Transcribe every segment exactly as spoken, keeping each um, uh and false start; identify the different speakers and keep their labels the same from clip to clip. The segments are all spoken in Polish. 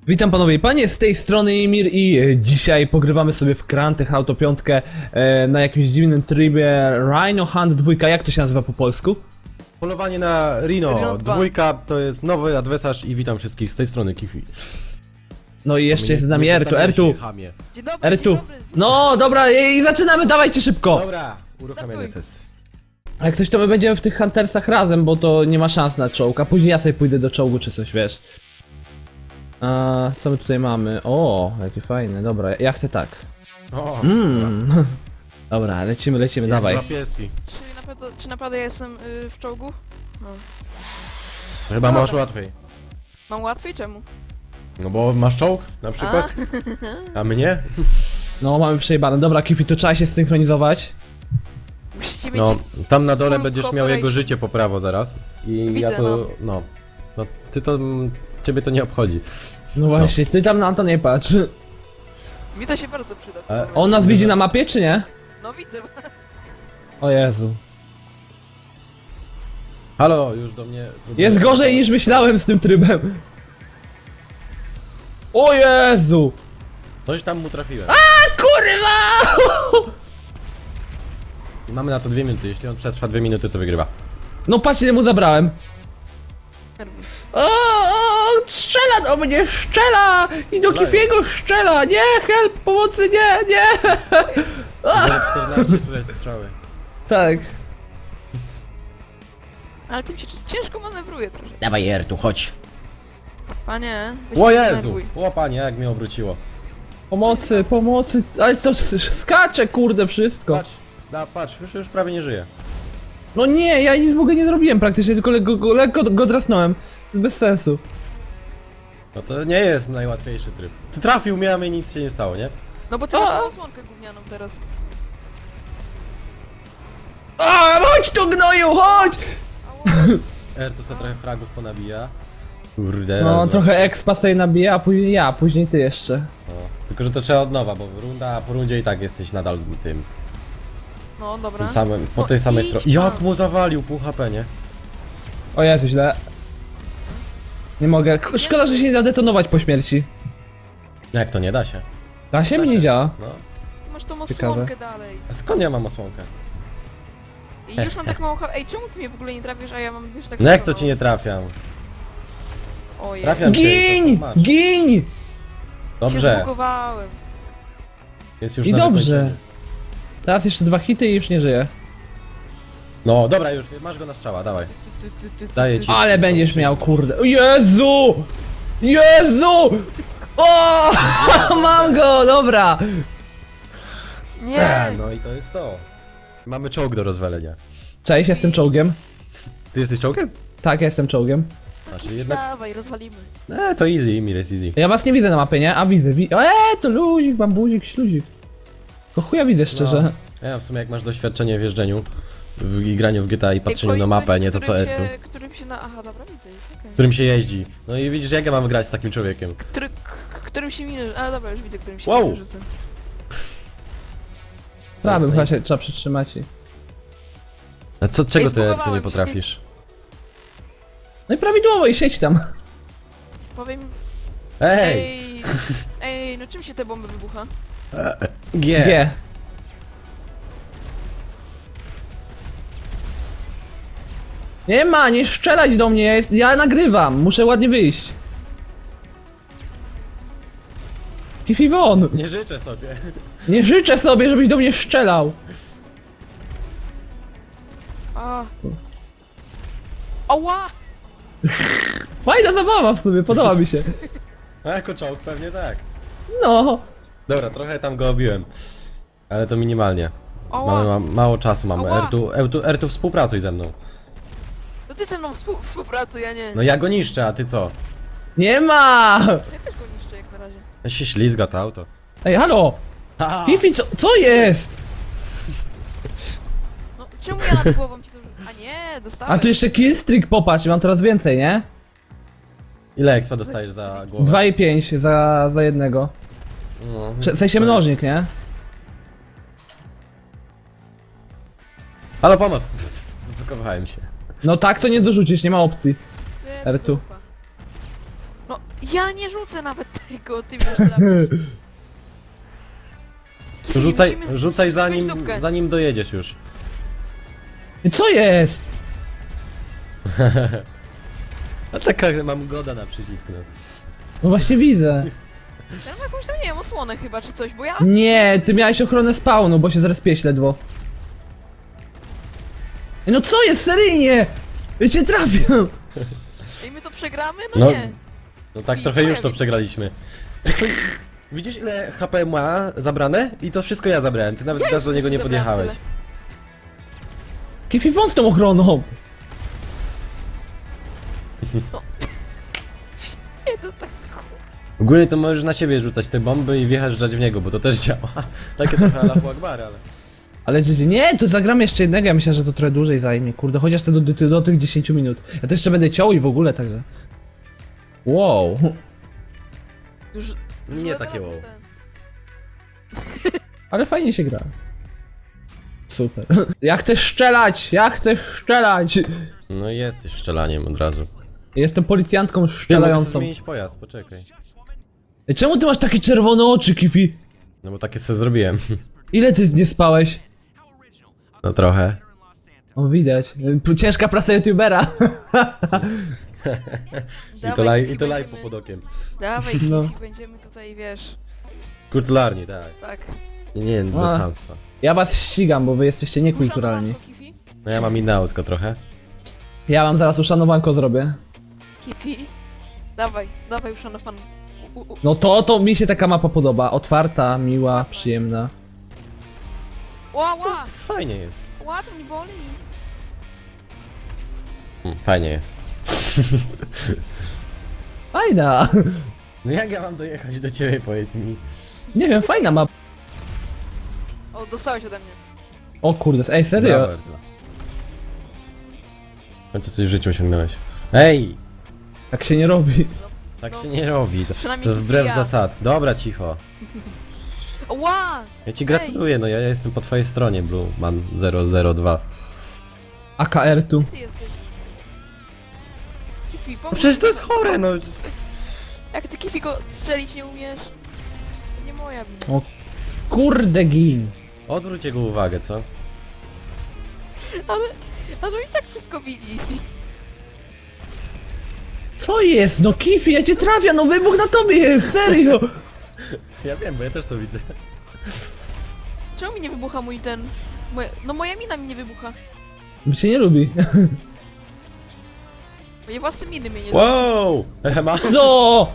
Speaker 1: Witam panowie i panie, z tej strony Imir i e, dzisiaj pogrywamy sobie w Grand Theft Auto pięć e, na jakimś dziwnym trybie Rhino Hunt dwa. Jak to się nazywa po polsku?
Speaker 2: Polowanie na Rhino,
Speaker 3: Rhino dwa.
Speaker 2: dwójka to jest nowy adwersarz i witam wszystkich z tej strony Kifi.
Speaker 1: No i jeszcze jest z nami
Speaker 2: Nie
Speaker 1: Ertu,
Speaker 2: przedstawiaj
Speaker 1: Ertu,
Speaker 2: się, chamie.
Speaker 3: Dzień dobry,
Speaker 1: Ertu.
Speaker 3: dzień dobry. Dzień
Speaker 1: No dobra i zaczynamy, dawajcie szybko!
Speaker 2: Dobra, uruchamiamy
Speaker 3: Startuj.
Speaker 2: sesję.
Speaker 1: A jak coś to my będziemy w tych Huntersach razem, bo to nie ma szans na czołg, a później ja sobie pójdę do czołgu czy coś, wiesz. A, co my tutaj mamy? O, jakie fajne, dobra, ja chcę tak.
Speaker 2: O,
Speaker 1: Mmm. Dobra, lecimy, lecimy,
Speaker 2: jest
Speaker 1: dawaj.
Speaker 2: dwa pieski.
Speaker 3: Czy naprawdę, czy naprawdę ja jestem y, w czołgu? No.
Speaker 2: Chyba
Speaker 3: No
Speaker 2: masz
Speaker 3: dobra.
Speaker 2: łatwiej.
Speaker 3: Mam łatwiej? Czemu?
Speaker 2: No bo masz czołg na przykład, a mnie?
Speaker 1: No, mamy przejebane. Dobra, Kifi, to trzeba się synchronizować.
Speaker 3: Musicie mieć...
Speaker 2: No, tam na dole
Speaker 3: full
Speaker 2: będziesz miał
Speaker 3: cooperation.
Speaker 2: jego życie po prawo zaraz. I
Speaker 3: Widzę,
Speaker 2: ja to, no. No, ty to, ciebie to nie obchodzi.
Speaker 1: No właśnie, ty tam na to nie patrz.
Speaker 3: Mi to się bardzo przyda.
Speaker 2: Ale
Speaker 1: On nas widzi na mapie, czy nie?
Speaker 3: No widzę was.
Speaker 1: O Jezu.
Speaker 2: Halo, już do mnie...
Speaker 1: Jest gorzej niż myślałem z tym trybem. O Jezu!
Speaker 2: Coś tam mu trafiłem.
Speaker 1: Kurwa!
Speaker 2: Mamy na to dwie minuty, jeśli on przetrwa dwie minuty, to wygrywa.
Speaker 1: No patrz, ile mu zabrałem. O, o, strzela do mnie, strzela! I do
Speaker 2: Daję.
Speaker 1: Kifiego strzela! Nie, help, pomocy, nie, nie!
Speaker 2: zero czternaście słychać strzały.
Speaker 1: Tak.
Speaker 3: Ale tym się ciężko manewruje trochę.
Speaker 2: Dawaj Ertu, chodź.
Speaker 3: Panie, weź
Speaker 2: O
Speaker 3: mnie
Speaker 2: Jezu!
Speaker 3: denerwuj.
Speaker 2: O panie, jak mnie obróciło.
Speaker 1: Pomocy, pomocy, ale to skacze, kurde, wszystko.
Speaker 2: Patrz, da, patrz, już, już prawie nie żyje.
Speaker 1: No nie, ja nic w ogóle nie zrobiłem praktycznie, tylko lekko go, lekko go drasnąłem. To jest bez sensu.
Speaker 2: No to nie jest najłatwiejszy tryb. Ty trafił mnie, a mnie nic się nie stało, nie?
Speaker 3: No bo ty
Speaker 1: A.
Speaker 3: masz tą osłonkę gównianą teraz.
Speaker 1: A, chodź tu gnoju, chodź!
Speaker 2: Ertu se trochę fragów ponabija. Kurde.
Speaker 1: No,
Speaker 2: raz,
Speaker 1: trochę
Speaker 2: dwa.
Speaker 1: expa sobie nabija, a później ja, a później ty jeszcze.
Speaker 2: No. Tylko, że to trzeba od nowa, bo runda, a po rundzie i tak jesteś nadal tym,
Speaker 3: No dobra.
Speaker 2: tym samym, po
Speaker 3: No
Speaker 2: tej samej
Speaker 3: idź
Speaker 2: stronie. Jak
Speaker 3: pan.
Speaker 2: mu zawalił pół H P, nie?
Speaker 1: O Jezu, źle. Nie mogę. K- Szkoda, że się nie da detonować po śmierci.
Speaker 2: Jak to nie da się?
Speaker 1: Da się?
Speaker 2: Da
Speaker 1: Mi nie
Speaker 2: się.
Speaker 1: działa.
Speaker 2: No.
Speaker 3: Ty masz tą
Speaker 1: Ciekawe.
Speaker 3: osłonkę dalej.
Speaker 2: A skąd ja mam osłonkę?
Speaker 3: I już mam tak mało... ha- Ej, czemu ty mnie w ogóle nie trafisz, a ja mam już tak...
Speaker 2: No jak to ci nie trafiam?
Speaker 3: Ojej.
Speaker 2: Trafiam cię,
Speaker 1: Gin!
Speaker 2: to masz.
Speaker 1: Gin!
Speaker 3: Się
Speaker 2: Dobrze,
Speaker 3: zbugowałem.
Speaker 2: jest już
Speaker 1: I
Speaker 2: na
Speaker 1: dobrze.
Speaker 2: wykończenie.
Speaker 1: Teraz jeszcze dwa hity i już nie żyję.
Speaker 2: No dobra, już, masz go na strzała, dawaj.
Speaker 3: Ty, ty, ty, ty,
Speaker 2: Daję
Speaker 3: ty.
Speaker 2: ci.
Speaker 1: Ale będziesz miał, kurde. O Jezu! Jezu! O! Mam go, dobra!
Speaker 3: Nie!
Speaker 2: No i to jest to. Mamy czołg do rozwalenia.
Speaker 1: Cześć, jestem czołgiem.
Speaker 2: Ty jesteś czołgiem?
Speaker 1: Tak, ja jestem czołgiem.
Speaker 3: To
Speaker 2: Znaczy
Speaker 3: Kifi,
Speaker 2: jednak-
Speaker 3: dawaj, rozwalimy.
Speaker 2: Eee, to easy, Imir jest easy.
Speaker 1: Ja was nie widzę na mapie, nie? A widzę, wi Eee, to luzik, bambuzik, śluzik. To chuja widzę szczerze.
Speaker 2: No. Ja w sumie jak masz doświadczenie w jeżdżeniu w, i graniu w G T A i
Speaker 3: Ej,
Speaker 2: patrzeniu na
Speaker 3: powiem,
Speaker 2: mapę, nie to co
Speaker 3: którym
Speaker 2: Ertu.
Speaker 3: się, którym się na... Aha, dobra, widzę. Okay.
Speaker 2: Którym się jeździ. No i widzisz jak ja mam grać z takim człowiekiem.
Speaker 3: Który, k- którym się minę... Ale dobra, już widzę, którym się
Speaker 2: Wow.
Speaker 3: minę rzucę.
Speaker 1: Prawym
Speaker 2: No i-
Speaker 1: chyba się trzeba przytrzymać. i-
Speaker 2: A co, czego
Speaker 3: Ej,
Speaker 2: ty Ertu
Speaker 3: zbugowałem
Speaker 2: nie
Speaker 3: się.
Speaker 2: potrafisz?
Speaker 1: No i prawidłowo i siedź tam.
Speaker 3: Powiem...
Speaker 2: Ej!
Speaker 3: Ej, ej, no czym się te bomby wybucha?
Speaker 2: G!
Speaker 1: G. Nie ma, nie strzelać do mnie, ja, jest, ja nagrywam, muszę ładnie wyjść. Kifi won!
Speaker 2: Nie życzę sobie.
Speaker 1: Nie życzę sobie, żebyś do mnie strzelał.
Speaker 3: A. Ała!
Speaker 1: Fajna zabawa w sumie, podoba mi się.
Speaker 2: A jako czołg pewnie tak.
Speaker 1: No.
Speaker 2: Dobra, trochę tam go obiłem. Ale to minimalnie.
Speaker 3: Ała!
Speaker 2: Mamy ma, mało czasu mamy.
Speaker 3: Ała.
Speaker 2: Ertu, Ertu, Ertu współpracuj ze mną.
Speaker 3: To ty ze mną współ, współpracuj, ja nie.
Speaker 2: No ja go niszczę, a ty co?
Speaker 1: Nie ma!
Speaker 3: Ja też go niszczę jak na razie.
Speaker 2: Ja się ślizga to auto.
Speaker 1: Ej, halo! Kifi, co, co jest?
Speaker 3: No, czemu ja nad głową ci to... A nie, dostałem.
Speaker 1: A tu jeszcze killstreak, popatrz, mam coraz więcej, nie?
Speaker 2: Ile expa dostajesz za głowę?
Speaker 1: dwa i pięć za, za jednego.
Speaker 2: No,
Speaker 1: W sensie
Speaker 2: to-
Speaker 1: mnożnik, nie?
Speaker 2: Halo, pomoc! Zblokowałem się.
Speaker 1: No tak to nie dorzucisz, nie ma opcji.
Speaker 3: Ty,
Speaker 1: R tu.
Speaker 3: dupa. No, Ja nie rzucę nawet tego, ty wiesz, trafisz. Kifi,
Speaker 2: Rzucaj,
Speaker 3: musimy z-
Speaker 2: rzucaj
Speaker 3: z-
Speaker 2: zanim,
Speaker 3: spiąć dupkę.
Speaker 2: zanim dojedziesz już.
Speaker 1: Co jest?
Speaker 2: A taka mam goda na przycisk, no.
Speaker 1: No właśnie widzę.
Speaker 3: Ja mam jakąś tam, nie wiem, osłonę chyba, czy coś, bo ja...
Speaker 1: Nie, ty miałeś ochronę spawnu, bo się zrespiłeś ledwo. Ej, no co jest, seryjnie? Ja cię trafię.
Speaker 3: I my to przegramy? No,
Speaker 2: No.
Speaker 3: nie.
Speaker 2: No tak
Speaker 3: I
Speaker 2: trochę już to
Speaker 3: twoja
Speaker 2: przegraliśmy. Widzisz ile H P ma zabrane? I to wszystko ja zabrałem, ty nawet
Speaker 3: Ja
Speaker 2: teraz do
Speaker 3: już
Speaker 2: niego nie
Speaker 3: zabrałam
Speaker 2: podjechałeś.
Speaker 3: tyle.
Speaker 1: Kifi wąs tą ochroną.
Speaker 3: Nie, to tak...
Speaker 2: Ogólnie to możesz na siebie rzucać te bomby i wjeżdżać w niego, bo to też działa. Takie trochę Allahu Akbar, ale...
Speaker 1: Ale że- nie, to zagram jeszcze jednego, ja myślę, że to trochę dłużej zajmie, kurde, chociaż te do, do, do tych dziesięciu minut. Ja też jeszcze będę ciął i w ogóle, także... Wow.
Speaker 3: Już... już
Speaker 2: Nie
Speaker 3: levela
Speaker 2: takie wow.
Speaker 3: dostałem.
Speaker 1: Ale fajnie się gra. Super. Ja chcę strzelać, ja chcę strzelać.
Speaker 2: No jesteś szczelaniem od razu.
Speaker 1: Jestem policjantką
Speaker 2: Ty mogę
Speaker 1: strzelającą.
Speaker 2: zmienić pojazd, poczekaj.
Speaker 1: Ej, czemu ty masz takie czerwone oczy, Kifi?
Speaker 2: No bo takie sobie zrobiłem.
Speaker 1: Ile ty nie spałeś?
Speaker 2: No trochę.
Speaker 1: O, widać. Ciężka praca youtubera.
Speaker 2: I to,
Speaker 3: Dawaj,
Speaker 2: laj,
Speaker 3: Kifi,
Speaker 2: i to laj
Speaker 3: będziemy-
Speaker 2: bokiem.
Speaker 3: Dawaj, Kifi,
Speaker 1: No.
Speaker 3: będziemy tutaj, wiesz...
Speaker 2: Kulturalnie, tak.
Speaker 3: Tak.
Speaker 2: Nie, nie, bez
Speaker 1: A.
Speaker 2: chamstwa.
Speaker 1: Ja was ścigam, bo wy jesteście niekulturalni.
Speaker 3: Uszanowanko, Kifi?
Speaker 2: No ja mam inne autko trochę.
Speaker 1: Ja wam zaraz uszanowanko zrobię.
Speaker 3: Kifi? Dawaj, dawaj uszanowan... U, u, u.
Speaker 1: No to, to mi się taka mapa podoba. Otwarta, miła, przyjemna.
Speaker 3: Ła, ła!
Speaker 2: Fajnie jest.
Speaker 3: Ła, to mi boli!
Speaker 2: Mm, fajnie jest.
Speaker 1: Fajna.
Speaker 2: No jak ja mam dojechać do ciebie, powiedz mi.
Speaker 1: Nie wiem, fajna mapa.
Speaker 3: O, dostałeś ode mnie.
Speaker 1: O kurde, ej, serio?
Speaker 2: Brawo, Artur. W końcu coś w życiu osiągnąłeś. Ej!
Speaker 1: Tak się nie robi.
Speaker 2: Tak
Speaker 3: No.
Speaker 2: się nie robi. To,
Speaker 3: Przynajmniej
Speaker 2: to wbrew
Speaker 3: ja.
Speaker 2: zasad. Dobra, cicho.
Speaker 3: Ła!
Speaker 2: Ja ci gratuluję, no ja jestem po twojej stronie, Blue Man zero zero dwa.
Speaker 1: A K R tu.
Speaker 3: Ty jesteś. Kifi,
Speaker 2: No
Speaker 3: pomóż
Speaker 2: przecież to
Speaker 3: mi.
Speaker 2: jest chore, no.
Speaker 3: Jak ty Kifi go strzelić nie umiesz? To nie moja wina.
Speaker 1: O kurde gin.
Speaker 2: Odwróć jego uwagę, co?
Speaker 3: Ale, ale on i tak wszystko widzi.
Speaker 1: Co jest? No Kifi, ja cię trafię, no wybuch na tobie jest, serio.
Speaker 2: Ja wiem, bo ja też to widzę.
Speaker 3: Czemu mi nie wybucha mój ten... Moje, no moja mina mi nie wybucha.
Speaker 1: Bo cię nie lubi.
Speaker 3: Moje własne miny mnie nie lubią.
Speaker 2: Wow! Ema?
Speaker 1: Co?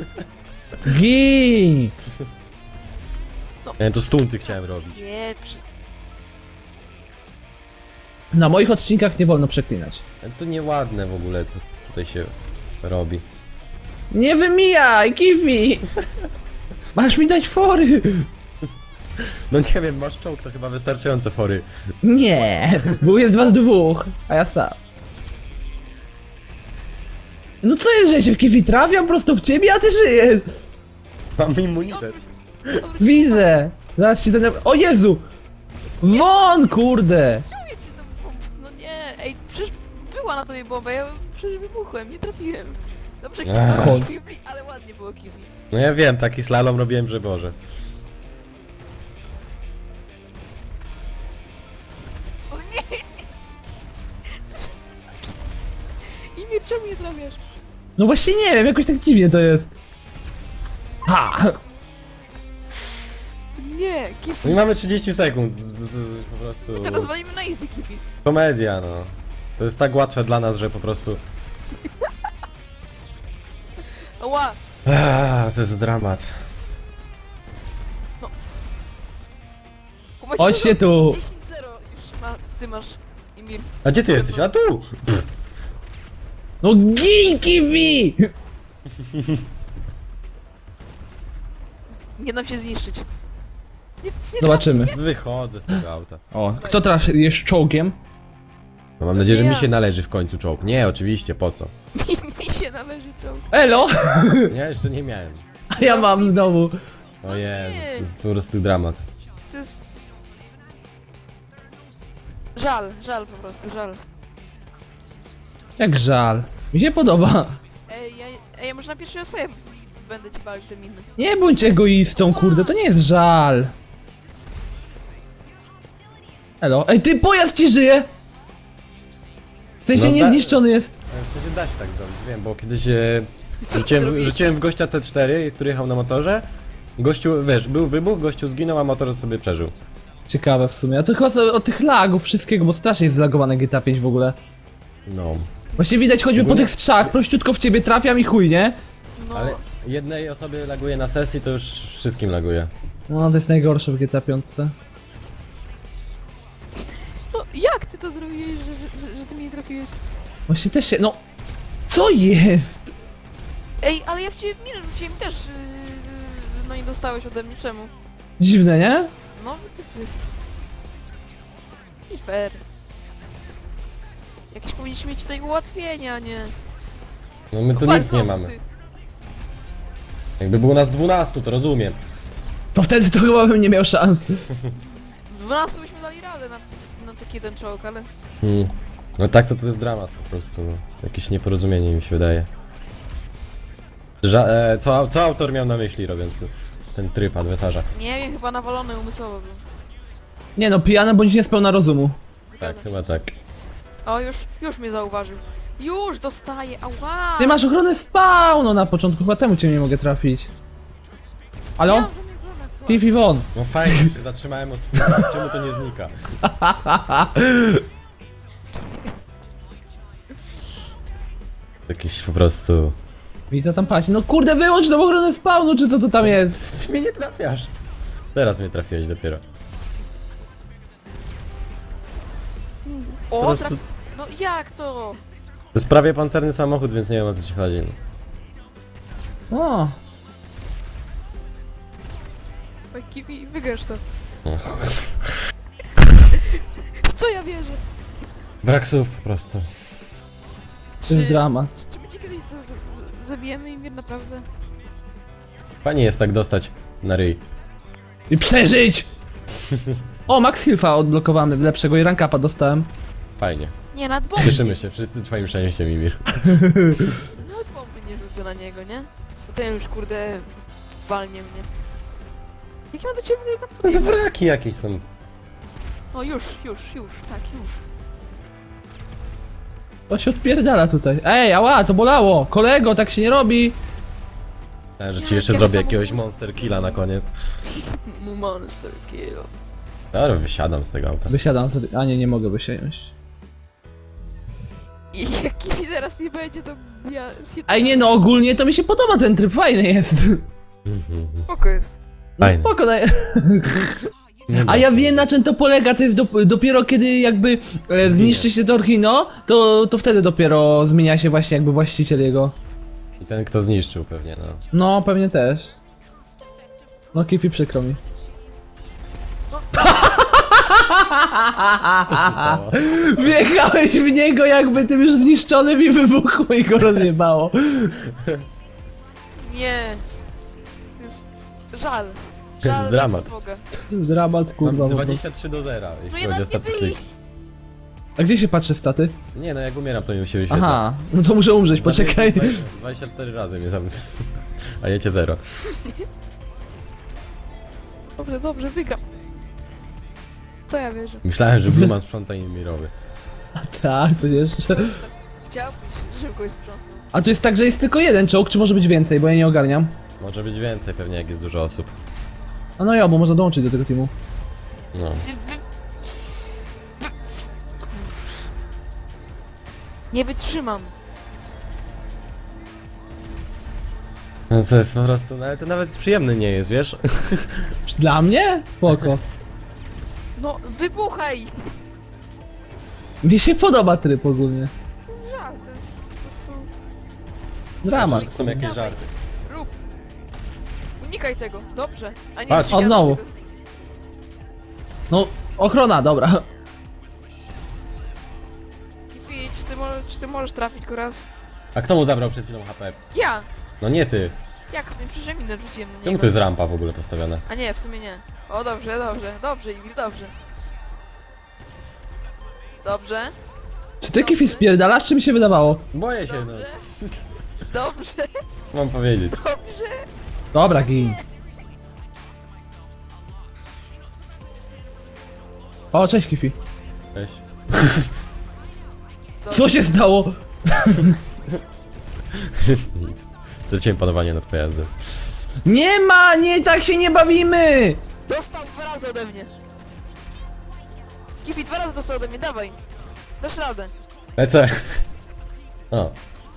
Speaker 1: Gin.
Speaker 2: Ja to stunty chciałem robić.
Speaker 3: Nie, przy...
Speaker 1: Na moich odcinkach nie wolno przeklinać.
Speaker 2: To nieładne w ogóle, co tutaj się robi.
Speaker 1: Nie wymijaj, Kifi. Masz mi dać fory.
Speaker 2: No nie wiem, masz czołg, to chyba wystarczająco fory.
Speaker 1: Nie, bo jest was dwóch, a ja sam. No co jest, że ja cię w Kifi trafiam prosto w ciebie, a ty żyjesz?
Speaker 2: Mam immunitet.
Speaker 3: Odwróć-
Speaker 1: Widzę. Zaraz ci ten... O Jezu! Won, kurde!
Speaker 3: Czemu ja cię tam... No nie, ej, przecież była na tobie bomba, ja przecież wybuchłem, nie trafiłem. Dobrze,
Speaker 2: Eee.
Speaker 3: Kifi, Kifi, ale ładnie było Kifi.
Speaker 2: No ja wiem, taki slalom robiłem, że Boże.
Speaker 3: O nie, nie. Co się stało? I nie, czemu nie trafiasz?
Speaker 1: No właśnie nie wiem, jakoś tak dziwnie to jest. Ha!
Speaker 3: Nie, Kifi.
Speaker 2: No i mamy trzydzieści sekund. Z- z- z- Po prostu.
Speaker 3: To rozwalimy na easy, Kifi.
Speaker 2: Komedia, no. To jest tak łatwe dla nas, że po prostu.
Speaker 3: Ła,
Speaker 2: Aaaa, to jest dramat.
Speaker 3: kumaś
Speaker 1: Chodźcie tu!
Speaker 3: dziesięć zero już ma, ty masz, Imir.
Speaker 2: A gdzie ty jesteś? A tu!
Speaker 1: No gin, Kifi!
Speaker 3: Nie dam się zniszczyć. Nie, nie
Speaker 1: Zobaczymy.
Speaker 2: Wychodzę z tego auta.
Speaker 1: O, kto teraz jest czołgiem?
Speaker 2: No mam nadzieję, że
Speaker 3: Nie
Speaker 2: mi
Speaker 3: ja.
Speaker 2: się należy w końcu czołg. Nie, oczywiście, po co?
Speaker 3: Mi, mi się należy czołg.
Speaker 1: Elo!
Speaker 2: Ja jeszcze nie miałem.
Speaker 1: A ja mam znowu.
Speaker 2: O Jezus, to jest po prostu dramat.
Speaker 3: To jest... Żal, żal po prostu, żal.
Speaker 1: Jak żal. Mi się podoba.
Speaker 3: Ej, Ej, ja, ej, może na pierwszej osobie będę ci walił te miny.
Speaker 1: Nie bądź egoistą, kurde, to nie jest żal. Elo, ej ty, pojazd ci żyje! W sensie
Speaker 2: No da-
Speaker 1: niezniszczony jest.
Speaker 2: W sensie da się tak zrobić, wiem, bo kiedyś e,
Speaker 3: Co ty
Speaker 2: rzuciłem,
Speaker 3: zrobiłeś?
Speaker 2: rzuciłem w gościa C cztery, który jechał na motorze. Gościu, wiesz, był wybuch, gościu zginął, a motor sobie przeżył.
Speaker 1: Ciekawe w sumie, a to chyba sobie od tych lagów wszystkiego, bo strasznie jest zlagowane G T A pięć w ogóle.
Speaker 2: No.
Speaker 1: Właśnie widać, choćby po
Speaker 2: Ogólnie-
Speaker 1: tych strzałach, prościutko w ciebie trafiam i chuj, nie?
Speaker 3: No,
Speaker 2: Ale jednej osobie laguje na sesji, to już wszystkim laguje.
Speaker 1: No to jest najgorsze w G T A pięć.
Speaker 3: no jak ty to zrobiłeś, że, że, że ty mnie nie trafiłeś?
Speaker 1: Właśnie też się, no... Co jest?
Speaker 3: Ej, ale ja w ciebie minę rzuciłem też, yy, no i dostałeś ode mnie, czemu?
Speaker 1: Dziwne, nie?
Speaker 3: No wytyfy. Nie fair. Jakieś powinniśmy mieć tutaj ułatwienia, nie?
Speaker 2: No my tu
Speaker 3: Chwal
Speaker 2: nic nie
Speaker 3: znowu,
Speaker 2: mamy.
Speaker 3: ty.
Speaker 2: Jakby było nas dwunastu, to rozumiem.
Speaker 1: To wtedy to chyba bym nie miał szans.
Speaker 3: W dwunastu byśmy dali radę na, na taki jeden czołg, ale...
Speaker 2: Hmm. No tak, to to jest dramat po prostu. No. Jakieś nieporozumienie mi się wydaje. Ża e, co, co autor miał na myśli, robiąc ten, ten tryb adwersarza?
Speaker 3: Nie wiem, chyba nawalony umysłowo był.
Speaker 1: Nie no, pijany bądź niespełna rozumu.
Speaker 3: Zgadzam
Speaker 2: Tak,
Speaker 3: się
Speaker 2: chyba
Speaker 3: z tym.
Speaker 2: tak.
Speaker 3: O, już, już mnie zauważył. Już dostaję, ała!
Speaker 1: Ty masz ochronę spawnu na początku, chyba temu cię nie mogę trafić.
Speaker 3: Ja
Speaker 1: Halo?
Speaker 3: mam żadnej ochrony aktualnie.
Speaker 1: Fifi won.
Speaker 2: No fajnie, się zatrzymałem o swój. Czemu to nie znika? Jakiś po prostu...
Speaker 1: Widzę tam paść. No kurde, wyłącz tą ochronę spawnu, czy co to tam jest?
Speaker 2: Ty mnie nie trafiasz. Teraz mnie trafiłeś dopiero.
Speaker 3: O,
Speaker 2: Po prostu-
Speaker 3: traf... No jak to?
Speaker 2: To jest prawie pancerny samochód, więc nie wiem o co ci chodzi.
Speaker 1: O,
Speaker 3: Oj, Kiwi, wygrasz to.
Speaker 2: No.
Speaker 3: W co ja wierzę?
Speaker 2: Brak słów po prostu.
Speaker 1: to jest
Speaker 3: Czy-
Speaker 1: dramat.
Speaker 3: Czy my cię kiedyś z- z- z- zabijemy im naprawdę?
Speaker 2: Fajnie jest tak dostać na ryj.
Speaker 1: I przeżyć! O, Max Hilfa odblokowany, lepszego i rank upa dostałem.
Speaker 2: Fajnie.
Speaker 3: Nie, nad bomby.
Speaker 2: Cieszymy się, wszyscy twoim szczęściem, Mimir.
Speaker 3: Nad bomby nie rzucę na niego, nie? Bo ten już, kurde, walnie mnie. Jak ja mam do ciebie w ogóle tam
Speaker 2: To
Speaker 3: podjechać?
Speaker 2: wraki jakieś są.
Speaker 3: O, już, już, już, tak, już.
Speaker 1: To się odpierdala tutaj. Ej, ała, to bolało! Kolego, tak się nie robi!
Speaker 2: Myślałem, że ci
Speaker 3: Ja
Speaker 2: jeszcze
Speaker 3: jak
Speaker 2: zrobię
Speaker 3: sam-
Speaker 2: jakiegoś monster killa na koniec.
Speaker 3: Monster kill.
Speaker 2: Dobra, wysiadam z tego auta.
Speaker 1: Wysiadam wtedy. A nie, nie mogę wysiąść.
Speaker 3: I jak Kiwi teraz nie będzie, to ja...
Speaker 1: Ej, nie no, ogólnie to mi się podoba ten tryb, fajny jest.
Speaker 2: Mhm.
Speaker 3: Spoko jest.
Speaker 1: No
Speaker 2: Fajny.
Speaker 1: spoko, daj.
Speaker 2: Nie
Speaker 1: A ja wiem na czym to polega, to jest do, dopiero kiedy jakby e, zniszczy się Torhino, to, to wtedy dopiero zmienia się właśnie jakby właściciel jego.
Speaker 2: I ten kto zniszczył pewnie, no.
Speaker 1: No, pewnie też. No, Kifi, przykro mi.
Speaker 2: Co się stało?
Speaker 1: Wjechałeś w niego jakby tym już zniszczonym i wybuchło i go rozjebało.
Speaker 3: Nie. To jest żal.
Speaker 2: To jest
Speaker 3: Żal
Speaker 2: dramat.
Speaker 3: dla Boga.
Speaker 1: Dramat, kurwa.
Speaker 2: Mam
Speaker 1: po prostu.
Speaker 2: dwadzieścia trzy do zera,
Speaker 3: No
Speaker 2: jeśli
Speaker 3: ja
Speaker 2: chodzi o
Speaker 3: nawet nie byli.
Speaker 2: statystyki.
Speaker 1: A gdzie się patrzy staty?
Speaker 2: Nie no, jak umieram to mi się wyświetla.
Speaker 1: Aha, no to muszę umrzeć, poczekaj.
Speaker 2: dwadzieścia cztery razy mnie zabił. A jecie zero.
Speaker 3: Dobrze, dobrze, wygram. Co ja wierzę?
Speaker 2: Myślałem, że Bluman sprząta Mimirowy.
Speaker 1: Tak, to jeszcze.
Speaker 3: Chciałbyś, żeby kogoś sprzątnął.
Speaker 1: A tu jest tak, że jest tylko jeden czołg, czy może być więcej, bo ja nie ogarniam.
Speaker 2: Może być więcej pewnie, jak jest dużo osób.
Speaker 1: A no ja, bo można dołączyć do tego teamu.
Speaker 2: No.
Speaker 3: Wy, wy... Nie wytrzymam.
Speaker 2: No to jest po prostu, no ale to nawet przyjemny nie jest, wiesz?
Speaker 1: Dla mnie? Spoko.
Speaker 3: No, wybuchaj!
Speaker 1: Mi się podoba tryb ogólnie.
Speaker 3: To jest żal, to jest po prostu...
Speaker 1: Dramat.
Speaker 2: To są jakieś żarty.
Speaker 3: Rób. Unikaj tego, dobrze. A nie
Speaker 2: Patrz.
Speaker 3: wsiadaj
Speaker 1: O, znowu.
Speaker 3: tego.
Speaker 1: No, ochrona, dobra.
Speaker 3: Kiwi, czy ty, możesz, czy ty możesz trafić go raz?
Speaker 2: A kto mu zabrał przed chwilą H P?
Speaker 3: Ja!
Speaker 2: No nie ty.
Speaker 3: Jak? Nie przecież ja minę rzuciłem na
Speaker 2: Czemu
Speaker 3: niego.
Speaker 2: to jest rampa w ogóle postawiona?
Speaker 3: A nie, w sumie nie. O, dobrze, dobrze, dobrze, Emil, dobrze. Dobrze.
Speaker 1: Czy ty Kifi spierdalasz, czy mi się wydawało?
Speaker 2: Boję się, no.
Speaker 3: Dobrze. Dobrze,
Speaker 2: Mam powiedzieć.
Speaker 3: dobrze.
Speaker 1: Dobra, gin. O, cześć Kifi.
Speaker 2: Weź.
Speaker 1: Co się stało?
Speaker 2: Nic. Straciłem panowanie nad pojazdem.
Speaker 1: Nie ma, nie, tak się nie bawimy!
Speaker 3: Dostał dwa razy ode mnie. Kifi, dwa razy dostał ode mnie, dawaj. Dasz radę.
Speaker 2: Lecę. O.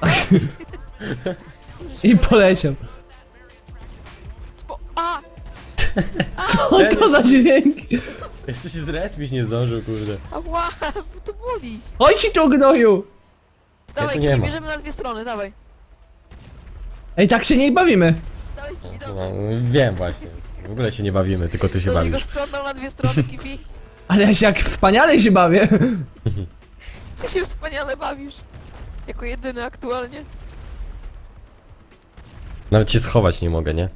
Speaker 1: I poleciał.
Speaker 3: Spo... A!
Speaker 1: O, to za dźwięk!
Speaker 2: Jeszcze się zrespić nie zdążył, kurde.
Speaker 3: Ała, to boli.
Speaker 1: Oj ci tu gnoju!
Speaker 3: Dawaj,
Speaker 2: tu nie
Speaker 3: Kifi,
Speaker 2: ma.
Speaker 3: bierzemy na dwie strony, dawaj.
Speaker 1: Ej, tak się nie bawimy.
Speaker 3: Dawaj, Kifi,
Speaker 2: No,
Speaker 3: dawaj.
Speaker 2: wiem właśnie. W ogóle się nie bawimy, tylko ty się
Speaker 3: Do niego
Speaker 2: bawisz.
Speaker 3: sprzątnął na dwie strony, Kifi.
Speaker 1: Ale ja się jak wspaniale się bawię.
Speaker 3: Ty się wspaniale bawisz. Jako jedyny aktualnie.
Speaker 2: Nawet się schować nie mogę, nie?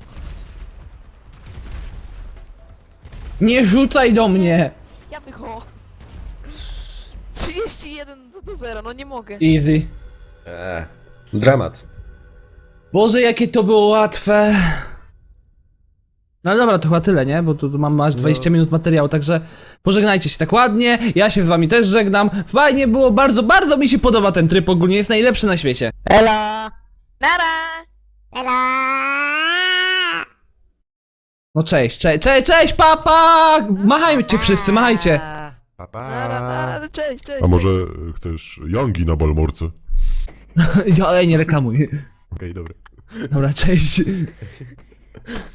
Speaker 1: Nie rzucaj do mnie!
Speaker 3: Ja wychodzę. trzydzieści jeden do, do zera, no nie mogę.
Speaker 1: Easy.
Speaker 2: Eee. Dramat.
Speaker 1: Boże, jakie to było łatwe. No ale dobra, to chyba tyle, nie? Bo tu, tu mam aż dwadzieścia minut materiału, także pożegnajcie się tak ładnie. Ja się z wami też żegnam. Fajnie było, bardzo, bardzo mi się podoba ten tryb, ogólnie jest najlepszy na świecie.
Speaker 3: Ela! Nara!
Speaker 1: No cześć, cześć, cześć, cześć, papa! Machajcie wszyscy, machajcie.
Speaker 3: Nara, nara, cześć, cześć.
Speaker 4: A może chcesz Youngi na Balmorce?
Speaker 1: Ja, ej, nie reklamuj.
Speaker 4: Okej, dobra.
Speaker 1: Dobra, cześć.